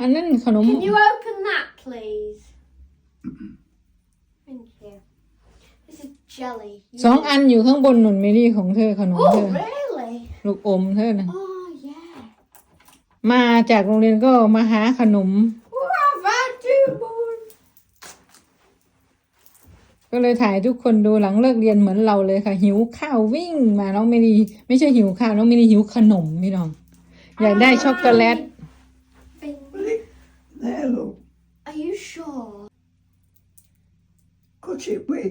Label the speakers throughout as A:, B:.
A: อันนั้นขนม
B: Can you open that, please? Thank you. This is jelly.
A: สองอันอยู่ข้างบนหนุนเมลี่ของเธอขนม
B: Oh,
A: เธอ
B: really?
A: ลูกอมเธอนะ
B: Oh, yeah.
A: มาจากโรงเรียนก็มาหาขนม
B: What have I do, boy?
A: ก็เลยถ่ายทุกคนดูหลังเลิกเรียนเหมือนเราเลยค่ะ หิวข้าววิ่งมาน้องเมลี่ไม่ใช่หิวข้าวน้องเมลี่หิวขนมพี่น้องอยากได้ช็อกโกแลต
C: There, look.
B: Are you sure?
C: Cut it with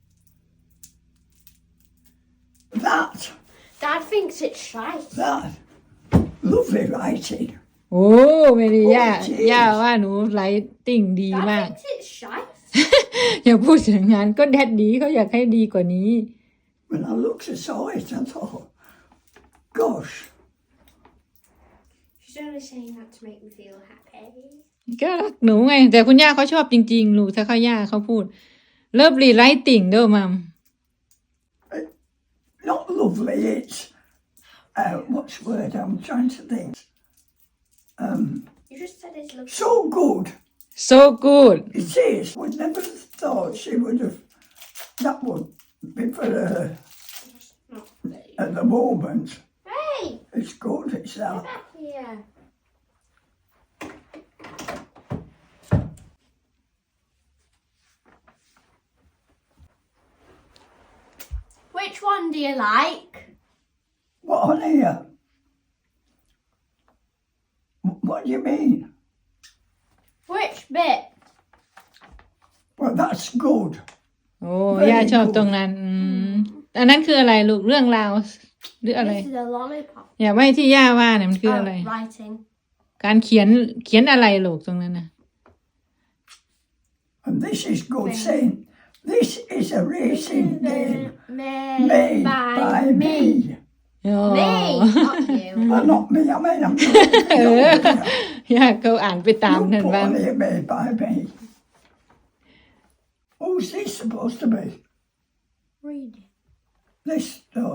C: that.
B: Dad thinks it's shite.
C: That. Lovely writing.
A: โอ้เมลี่ย่าว่าหนูไลติ้งดีมาก
B: Dad thinks it's shite.
A: อย่าพูดถึงงานก็แดดดีเขาอยากให้ดีกว่านี้
C: When I looked and saw it, I thought, gosh.
B: She's only saying that to make me feel happy.
A: ก็รักหนูไงแต่คุณย่าเขาชอบจริงๆลูกถ้าเขาย่าเขาพูดเลิฟลีไลติ่งเด้อมัม
C: Not lovely, it's, what's the word I'm trying to think?
B: You just said it's lovely.
C: So good.
A: so good
C: It is. Would never have thought she would have, that would be for her
B: Not me.
C: at the moment.
B: Hey!
C: It's good, it's
B: Get
C: that.
B: back here. Which one do you like?
C: What on here? What do you mean?
B: Which bit?
C: Well, that's good.
A: โอ้ย่าชอบตรงนั้นอันนั้นคืออะไรลูกเรื่องราวหรืออะไร
B: This is a lollipop.
A: อย่าไม่ที่ย่าว่าเนี่ยมันคืออะไร
B: Writing.
A: การเขียนอะไรลูกตรงนั้นนะ
C: And this is good saying, this is a racing game
B: Made
C: made by me.
A: โอ้
B: Me, not you.
C: Well, not me, I mean, I'm
A: ย่าเขาอ่านไปตาม
C: You
A: นั่น
C: put
A: บ้าง
C: on here made by me. Who's this supposed to be?
B: Read it.
C: This, no.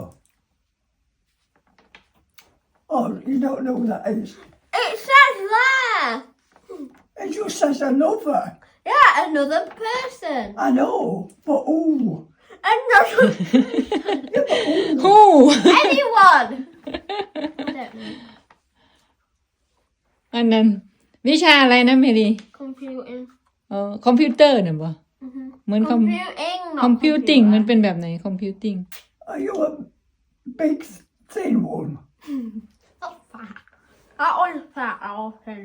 C: Oh, you don't know who that is.
B: It says there.
C: It just says another.
B: Yeah, another person.
C: I know, but who?
B: Another.
A: ฮู้
B: Anyone. I don't know.
A: อันนั้นวิชาอะไรนะเมลี
B: Computing.
A: คอมพิวเตอร์เนี่ยบ่เหมือน
B: Computing, not
A: คอมพิวติ้ง
B: computer.
A: มันเป็นแบบไหนคอมพิวติ้ง
C: Are you a big, thin one?
B: Not fat. That one's fat, Alton.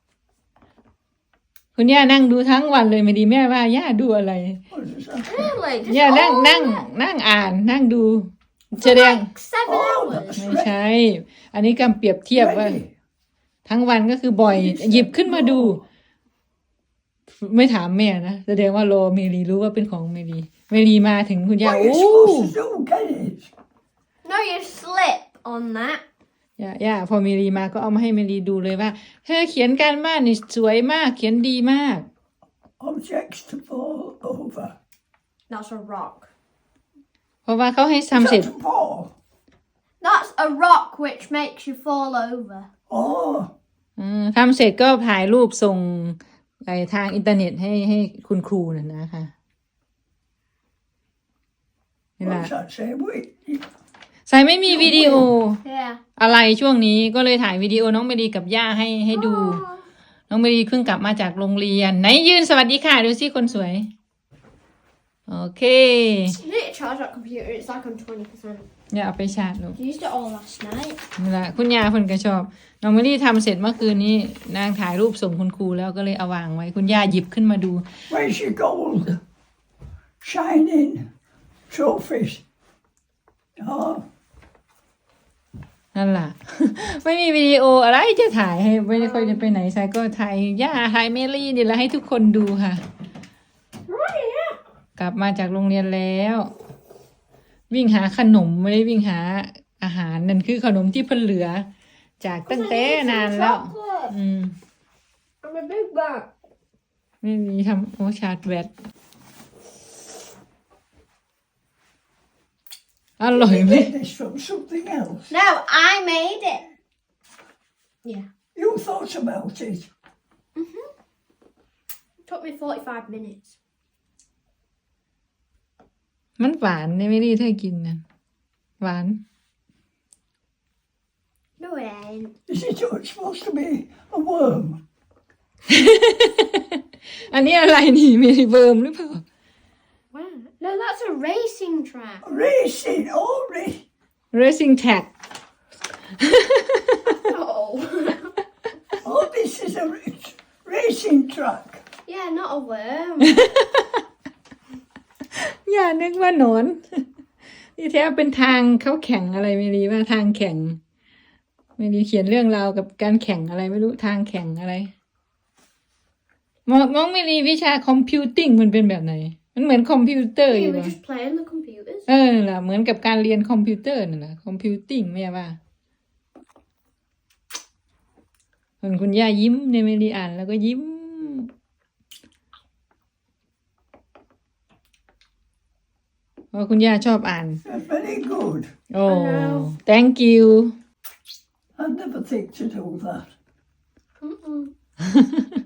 A: คุณย่านั่งดูทั้งวันเลยไม่ดีแม่ว่าย่าดูอะไร
C: What is that?
B: Really? Just
A: ย่านั่ง
B: all
A: นั่ง
B: that?
A: นั่งอ่านนั่งดูแสดง
B: Like 7
C: Oh,
B: hours.
C: that's
A: ไม่ใช่ อันนี้กำเปรียบเทียบว่า
C: ready.
A: ทั้งวันก็คือบ่อย หยิบขึ้นมาดู ไม่ถามแม่นะแสดงว่ารอเมลีรู้ว่าเป็นของเมลีมาถึงคุณย่า
C: What are
A: โอ้
C: you supposed to do? Get it?
B: No, you slip on that.
A: ย่าพอเมลีมาก็เอามาให้เมลีดูเลยว่าเธอเขียนการบ้านนี่สวยมากเขียนดีมาก
C: Objects to fall over.
B: That's a rock.
A: เพราะว่าเขาให้
C: Is
A: ทำเสร็จ
C: that to fall?
B: That's a rock which makes you fall over.
C: Oh,
A: ทำเสร็จก็ถ่ายรูปส่งไปทางอินเทอร์เน็ตให้คุณครูน่ะนะคะเวลา
C: what's that say? Wait.
A: ใส่ไม่มีวิดีโอ
B: Yeah.
A: อะไรช่วงนี้ก็เลยถ่ายวิดีโอน้องเมลีกับย่าให้ดู น้องเมลีเพิ่งกลับมาจากโรงเรียนไหนยืนสวัสดีค่ะดูสิคนสวย โอเค
B: You need to charge that computer. It's like on 20%.
A: อย่าเอาไปชาร์จลูก
B: Used it all last night.
A: นี่ละคุณย่าเพิ่นก็ชอบน้องเมลี่ทำเสร็จเมื่อคืนนี้นางถ่ายรูปส่งคุณครูแล้วก็เลยเอาวางไว้คุณย่าหยิบขึ้นมาดู
C: Where's your gold? Shining trophies. Oh,
A: นั่นล่ะ ไม่มีวิดีโออะไรจะถ่ายให้ไม่ได้ค่อยจะไปไหนใช่ก็ถ่ายย่าถ่ายเมลี่นี่แหละให้ทุกคนดูค่ะ
B: Right, yeah.
A: กลับมาจากโรงเรียนแล้ว วิ่งหาขนมไม่ได้วิ่งหาอาหารนั่นคือขนมที่เพิ่นเหลือ จากตั้งแต่นานแล้ว
B: Chocolate.
A: อืม
B: I'm a big bag.
A: ไม่มีทำโอชาร์จแวดอร่อยไหม
C: get this from something else.
B: No, I made it. Yeah.
C: You thought about it.
B: Took me 45 minutes.
A: มันหวานเนี่ยไม่ได้เธอกินนะหวาน
B: No, it ain't.
C: Is it supposed to be a worm?
A: อันนี้อะไรนี่มีเวิร์มหรือเปล่า
B: Wow. No, that's a racing track.
C: Racing, oh,
A: racing tag
B: Oh.
C: oh, this is a racing track.
B: Yeah, not a worm.
A: อย่านึกว่าหนอน ที่แท้เป็นทางเขาแข่งอะไรไม่รีว่าทางแข่ง ไม่รีเขียนเรื่องราวกับการแข่งอะไรไม่รู้ทางแข่งอะไรมองไม่รีวิชาคอมพิวติ้งมันเป็นแบบไหน มันเหมือนคอมพิวเตอร์อ
B: You
A: ยู่
B: were
A: ป่ะ
B: just playing the computers.
A: นั่นแหละเหมือนกับการเรียนคอมพิวเตอร์นั่นแหละคอมพิวติ้งไม่ใช่ป่ะคุณย่ายิ้มเนี่ยไม่รีอ่านแล้วก็ยิ้มเพราะคุณย่าชอบอ่าน
C: Very good.
A: โอ้ thank you
C: I'd never think to do that.
B: Mm-mm.